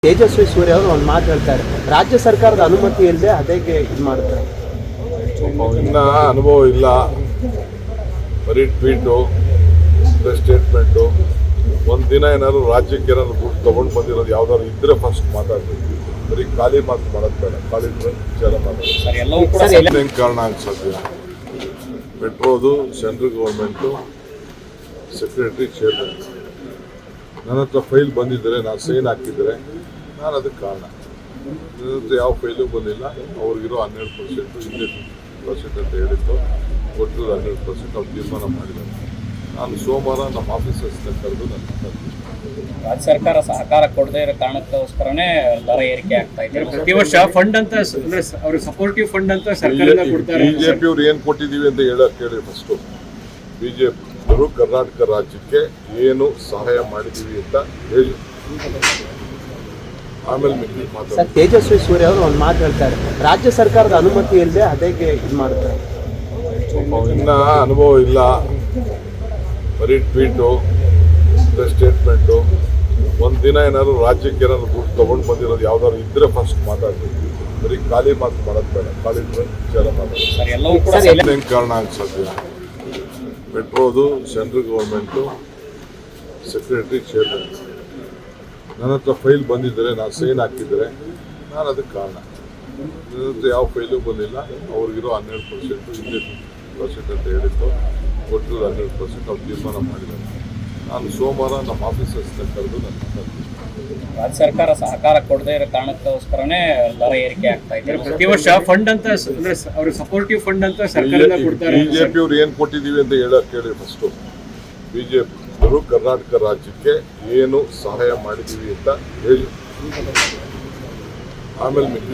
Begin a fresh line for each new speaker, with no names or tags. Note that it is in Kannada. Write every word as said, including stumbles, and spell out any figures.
ತೇಜಸ್ವಿ ಸೂರ್ಯ ಅವರು ಒಂದು ಮಾತು ಹೇಳ್ತಾರೆ, ರಾಜ್ಯ ಸರ್ಕಾರದ ಅನುಮತಿ ಇಲ್ಲದೆ ಅದೇಗೆ ಇದು ಮಾಡ್ತಾರೆ.
ಇನ್ನ ಅನುಭವ ಇಲ್ಲ, ಬರೀ ಟ್ವೀಟು, ಸ್ಟೇಟ್ಮೆಂಟು. ಒಂದು ದಿನ ಏನಾದ್ರು ರಾಜ್ಯಕ್ಕೆ ಏನಾದ್ರು ದುಡ್ಡು ತೊಗೊಂಡು ಬಂದಿರೋದು ಯಾವ್ದಾದ್ರು ಇದ್ರೆ ಫಸ್ಟ್ ಮಾತಾಡ್ಬೇಕು. ಬರೀ ಖಾಲಿ ಮಾತು ಮಾಡೋದು ಬೇಡ, ಖಾಲಿ ವಿಚಾರ ಮಾಡೋದು ಹೆಂಗೆ ಕಾರಣ ಅನ್ಸೋದು. ಮೆಟ್ರೋದು ಸೆಂಟ್ರಲ್ ಗೌರ್ಮೆಂಟು ಸೆಕ್ರೆಟರಿ ಚೇರ್ಮನ್ ನನ್ನ ಹತ್ರ ಫೈಲ್ ಬಂದಿದ್ದರೆ, ನಾನು ಸೈನ್ ಹಾಕಿದರೆ ನಾನು ಅದಕ್ಕೆ ಕಾರಣ. ನನ್ನ ಹತ್ರ ಯಾವ ಫೈಲು ಬಂದಿಲ್ಲ. ಅವ್ರಿಗಿರೋ ಹನ್ನೆರಡು ಪರ್ಸೆಂಟು ಹಿಂದೆ ಪರ್ಸೆಂಟ್ ಅಂತ ಹೇಳಿತ್ತು, ಒಟ್ಟು ಹನ್ನೆರಡು ಪರ್ಸೆಂಟ್ ಅವ್ರು ತೀರ್ಮಾನ ಮಾಡಿದ್ದಾರೆ. ನಾನು ಸೋಮವಾರ ನಮ್ಮ ಆಫೀಸರ್ಸ್ನ ಕರೆದು ನನ್ನ
ರಾಜ್ಯ ಸರ್ಕಾರ ಸಹಕಾರ ಕೊಡದೇ ಇರೋ ಕಾರಣಕ್ಕೋಸ್ಕರನೇ ದರ ಏರಿಕೆ ಆಗ್ತಾ ಇದೆ. ಪ್ರತಿ ವರ್ಷ ಫಂಡ್ ಅಂತ ಅಂದ್ರೆ ಅವರು ಸಪೋರ್ಟಿವ್ ಫಂಡ್ ಅಂತ ಸರ್ಕಾರದಿಂದ ಕೊಡ್ತಾರೆ.
ಬಿಜೆಪಿ ಅವ್ರು ಏನು ಕೊಟ್ಟಿದ್ದೀವಿ ಅಂತ ಹೇಳಕ್ ಕೇಳಿ ಫಸ್ಟು. ಬಿಜೆಪಿ ಅವರು ಕರ್ನಾಟಕ ರಾಜ್ಯಕ್ಕೆ ಏನು ಸಹಾಯ ಮಾಡಿದ್ದೀವಿ ಅಂತ ಹೇಳಿ, ಆಮೇಲೆ ಮಿಕ್ಕಿ ಮಾತಾಡ್ತಾರೆ.
ತೇಜಸ್ವಿ ಸೂರ್ಯ ಅವರು ಒಂದು ಮಾತು ಹೇಳ್ತಾರೆ, ರಾಜ್ಯ ಸರ್ಕಾರದ ಅನುಮತಿ ಇಲ್ಲದೆ ಅದೇಗೆ ಇದು ಮಾಡ್ತಾರೆ.
ಇನ್ನ ಅನುಭವ ಇಲ್ಲ, ಬರೀ ಟ್ವೀಟು, ಸ್ಟೇಟ್ಮೆಂಟು. ಒಂದು ದಿನ ಏನಾದ್ರು ರಾಜ್ಯಕ್ಕೆ ಏನಾದ್ರು ದುಡ್ಡು ತೊಗೊಂಡು ಬಂದಿರೋದು ಯಾವ್ದಾದ್ರು ಇದ್ರೆ ಫಸ್ಟ್ ಮಾತಾಡ್ಬೇಕು. ಬರೀ ಖಾಲಿ ಮಾತು ಮಾಡೋದು ಬೇಡ, ಖಾಲಿ ವಿಚಾರ ಮಾಡೋದು ಹೆಂಗೆ ಕಾರಣ ಅನ್ಸೋದು. ಮೆಟ್ರೋದು ಸೆಂಟ್ರಲ್ ಗೌರ್ಮೆಂಟು ಸೆಕ್ರೆಟರಿ ಚೇರ್ಮನ್ ನನ್ನ ಹತ್ರ ಫೈಲ್ ಬಂದಿದ್ದರೆ, ನಾನು ಸೈನ್ ಹಾಕಿದರೆ ನಾನು ಅದಕ್ಕೆ ಕಾರಣ. ನನ್ನ ಹತ್ರ ಯಾವ ಫೈಲು ಬಂದಿಲ್ಲ. ಅವ್ರಿಗಿರೋ ಹನ್ನೆರಡು ಪರ್ಸೆಂಟು ಹಿಂದೆ ಪರ್ಸೆಂಟ್ ಅಂತ ಹೇಳಿತ್ತು, ಒಟ್ಟು ಹನ್ನೆರಡು ಪರ್ಸೆಂಟ್ ಅವ್ರು ತೀರ್ಮಾನ ಮಾಡಿದ್ದಾರೆ. ನಾನು ಸೋಮವಾರ ನಮ್ಮ ಆಫೀಸರ್ಸ್ನ ಕರೆದು ನನ್ನ
ರಾಜ್ಯ ಸರ್ಕಾರ ಸಹಕಾರ ಕೊಡದೇ ಇರೋ ಕಾರಣಕ್ಕೋಸ್ಕರನೇ ದರ ಏರಿಕೆ ಆಗ್ತಾ ಇದೆ. ಪ್ರತಿ ವರ್ಷ ಫಂಡ್ ಅಂತ ಅಂದ್ರೆ ಅವರು ಸಪೋರ್ಟಿವ್ ಫಂಡ್ ಅಂತ ಸರ್ಕಾರದಿಂದ ಕೊಡ್ತಾರೆ.
ಬಿಜೆಪಿ ಅವ್ರು ಏನು ಕೊಟ್ಟಿದ್ದೀವಿ ಅಂತ ಹೇಳಕ್ ಕೇಳಿ ಫಸ್ಟು. ಬಿಜೆಪಿ ಅವರು ಕರ್ನಾಟಕ ರಾಜ್ಯಕ್ಕೆ ಏನು ಸಹಾಯ ಮಾಡಿದ್ದೀವಿ ಅಂತ ಹೇಳಿ, ಆಮೇಲೆ ಮಿಕ್ಕಿ